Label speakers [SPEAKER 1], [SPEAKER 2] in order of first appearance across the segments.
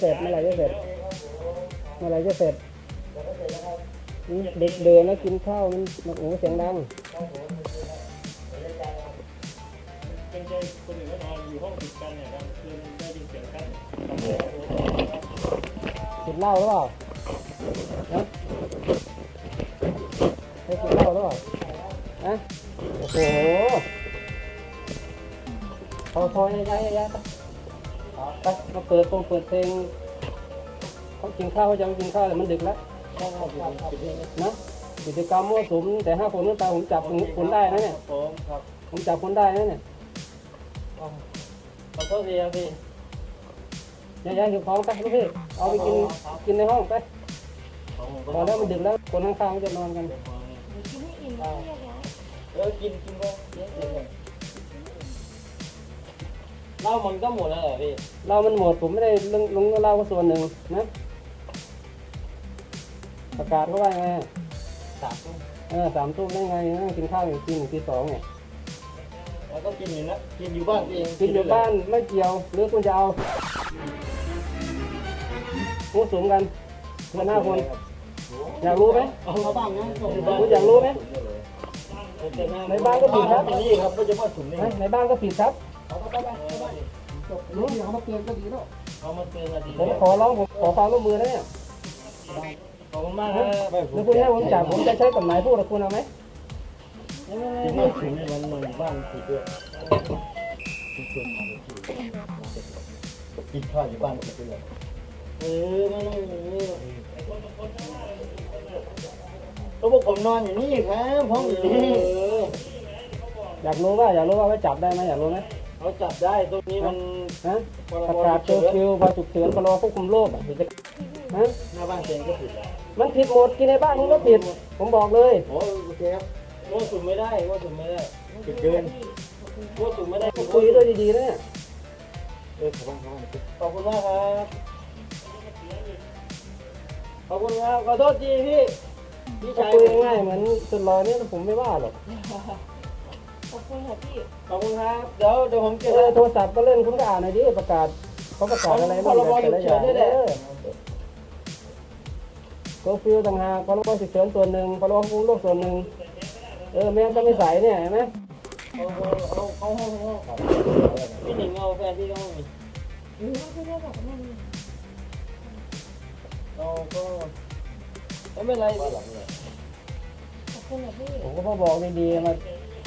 [SPEAKER 1] เสร็จเมื่อไหร่จะเสร็จเมื่อไหร่จะเสร็จเด็กเดินแล้วกินข้าวมันโอ้เสียงดัง
[SPEAKER 2] เป็นใจคนอื่นก็นอนอยู่ห้องติดกันเนี่ยบางคืนได้ยินเสียงกัน
[SPEAKER 1] กินเหล้าหรือเปล่าฮะให้กินเหล้าหรือเปล่าฮะโอ้โหพอย้ายไปมาเปิดเพลงเขากินข้าวเขายังกินข้าวแต่มันดึกแล้วนะกิจกรรมมั่วสุมแต่5 คนขึ้นไปผมจับคนได้นะเนี่ยผมจับคนได้นะเนี่ย
[SPEAKER 2] ขอโทษทีครับพี่
[SPEAKER 1] ย้ายหิวของไปลูกพี่เอาไปกินในห้องไปพอแล้วมันดึกแล้วคนข้างๆจะนอนกัน
[SPEAKER 3] กินให้อิ่มแล้วแยกย้าย
[SPEAKER 2] กินก็เหล้ามันก็หมดแล้วเหรอพี่
[SPEAKER 1] เรามันหมดผมไม่ได้ลงเหล้าก็ส่วนหนึ่งนะประกาศเขาว่าไง
[SPEAKER 2] 3 ทุ่ม
[SPEAKER 1] 3 ทุ่มได้ไงนั่งกินข้าวอยู่ตี 1 ตี 2เนี่ย
[SPEAKER 2] แล้วก็กินอยู่นะกินอยู่บ้านเอง
[SPEAKER 1] กินอยู่บ้านไม่เกี่ยวหรือคุณจะเอาพูดสูงกันกัน5 คนอยากรู้ไหม
[SPEAKER 2] เอาบ้างนะ
[SPEAKER 1] คุณอยากรู้ไหมในบ้านก็ผิดครับ
[SPEAKER 2] นี่ครับก็จะว่าถุงนี่
[SPEAKER 1] ในบ้านก็ผิดครับ
[SPEAKER 2] รู้ที่เขามาเตือนก็ดีแล้วเขามาเตือนก็ดี
[SPEAKER 1] ผมขอร้องผมขอความร่วมมือนะเนี่ย
[SPEAKER 2] ขอบคุณมากครับ
[SPEAKER 1] แล้วคุณให้ผมจับผมจะใช้กฎหมายพูดกับคุณเอาไหม
[SPEAKER 2] กินไม่ถึงมันบ้านผิดด้วยกินข้าวอยู่บ้านผิดด้วยไม่แล้วพวกผมนอนอยู่นี่ครับห้องอยู่นี่
[SPEAKER 1] อยากรู้ว่าไว้จับได้ไหมอยากรู้ไหม
[SPEAKER 2] เขาจับได้ตรงนี้มัน
[SPEAKER 1] ประกาศเคอร์ฟิวพอฉุกเฉินพรบควบคุมโรค
[SPEAKER 2] หน้าบ้านเองก็ผิดแล้ว
[SPEAKER 1] มันผิดหมดกินในบ้านมันก็ผิดผมบอกเลย
[SPEAKER 2] โอเคครับว่าสุ่มไม่ได้ผิดเกินว่าสุ่มไม่ได้
[SPEAKER 1] คุยด้วยดีๆนะเนี่ย
[SPEAKER 2] ขอบคุณมากครับขอบคุณครับขอโทษทีพี่ชาย
[SPEAKER 1] คุยง่ายเหมือนสุดรอเนี่ยผมไม่ว่าหรอก
[SPEAKER 3] ขอบคุณค่ะพี่
[SPEAKER 2] ขอบคุณครับเดี๋ยวผมเก็บ
[SPEAKER 1] โทรศัพท์ก็เล่นคุณก็อ่านหน่อยดิประกาศเขาประกาศอะไรบ้างแต่ละอย่างเคอร์ฟิวต่างหากพรบฉุกเฉินส่วนหนึ่งพรบควบคุมโรคส่วนหนึ่งแม่ก็ไม่ใส่เนี่ยเห็นไหม
[SPEAKER 2] เขาพี่หนิงเอาแฟนพี่ก็ไม่มี
[SPEAKER 3] ไม่ได้แบบนั้น
[SPEAKER 2] เราก็ไม่เป็นไร
[SPEAKER 3] ขอบคุณค่ะพี่
[SPEAKER 1] ผมก็บอกดีๆมา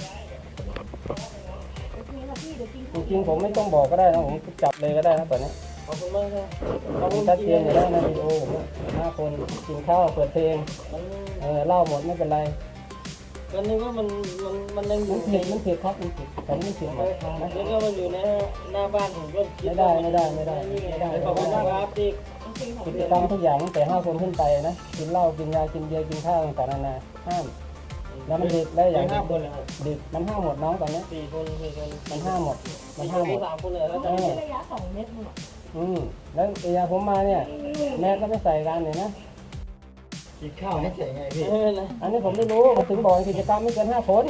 [SPEAKER 1] จริงๆผมไม่ต้องบอกก็ได้นะผมจับเลยก็ได้นะตอนนี้
[SPEAKER 2] ขอบคุณมากครับ
[SPEAKER 1] ชัดเจนอยู่แล้วในวิดีโอผม5 คนกินข้าวเปิดเพลงเล่าหมดไม่เป็นไร
[SPEAKER 2] ตอนนี้ว่ามันยัง
[SPEAKER 1] มันผิดครับมันผิดแต่ไม่ผิดนะ
[SPEAKER 2] แล้วก็มันอยู่ในหน้าบ้านผมก็
[SPEAKER 1] ไม่ได้
[SPEAKER 2] ขอบคุณมากครับที่
[SPEAKER 1] กิจกรรมทุกอย่างตั้งแต่5 คนขึ้นไปนะกินเหล้ากินยากินเบียร์กินข้าวต่างๆนานาห้ามแล้วมันดึกได้อย่างดึกมันห้ามหมดน้องตอนนี้
[SPEAKER 2] 4 คน
[SPEAKER 1] มันห้ามหมด
[SPEAKER 2] 3 คนเลยแล้ว
[SPEAKER 3] จะมีระยะ2 เมตรมั้ง
[SPEAKER 1] แล้วยาผมมาเนี่ยแม่ก็ไม่ใส่กันเลยนะ
[SPEAKER 2] กินข้าวไม่ใส่ไงพี่
[SPEAKER 1] อันนี้ผมไม่รู้ผมถึงบอกกิจกรรมไม่เกิน5 คน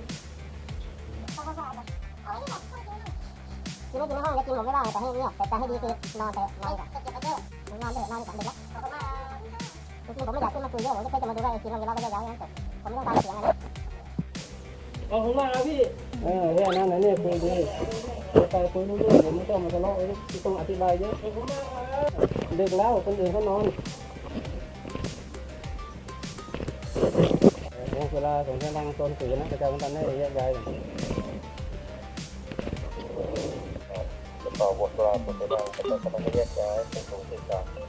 [SPEAKER 4] กินไม่กินในห้องก็กินผมไม่ได้แต่ให้เงียบแต่ให้ดีคือนอนเถอะนอนกับนอนเถอะนอนกับเด็กแล้วจริงๆผมไม่อยากขึ้นมาคุยเยอะผมก็แค่จะมาดูว่ากินเราก็จะย้ายงั้นผมไม่ต้องการเสียงอะไร
[SPEAKER 2] ขอบคุณมากครับพี่
[SPEAKER 1] แค่นั้นนะเนี่ยคุยดีไปคุยรู้เรื่องผมไม่ต้องมาทะเลาะไม่ต้องอธิบายเยอะดึกแล้วคนอื่นเขานอนเวลาส่งเสียงดังโซนสื่อนะกระจายกันให้แยกย้าย
[SPEAKER 2] ต่อบทกลางบทกลางแต่ก็ต้องแยกย้ายเป็นตรงที่กลาง